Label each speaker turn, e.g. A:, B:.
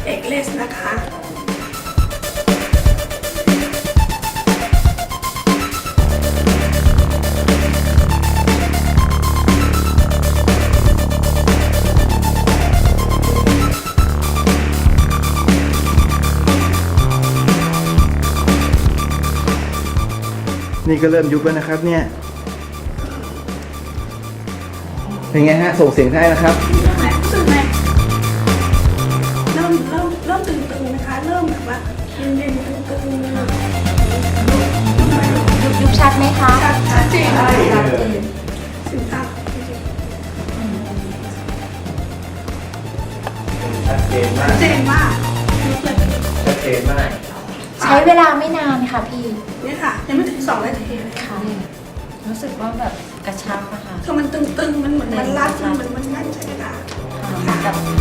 A: เอกเลสนะคะ
B: นี่ก็เริ่มยุบแล้วนะครับเนี่ยเป็นไงฮะส่งเสียงได้นะครับ
A: รู้สึกไหมเริ่มตึงๆนะคะเริ่มแบบว่าเย็นๆตึงๆ
C: ยุบชัดไหมคะ
A: ชัดเจน
C: ชัดเจน
A: สินค้า
B: ชัดเจนมา
A: ชั
B: ก
A: ดเจนมากยุบเลย
B: ชัดเจนมาก
C: ใช้เวลาไม่นานค่ะพี่
A: เนี่ยค่ะยังไม่ถึง2 นาทีเลย
C: ค่ะรู้สึกว่าแบบกระชับอะค่ะ
A: คือมันตึงๆมันเหมือนมันรัดมันแน่นใช่ไหมคะ
C: กับ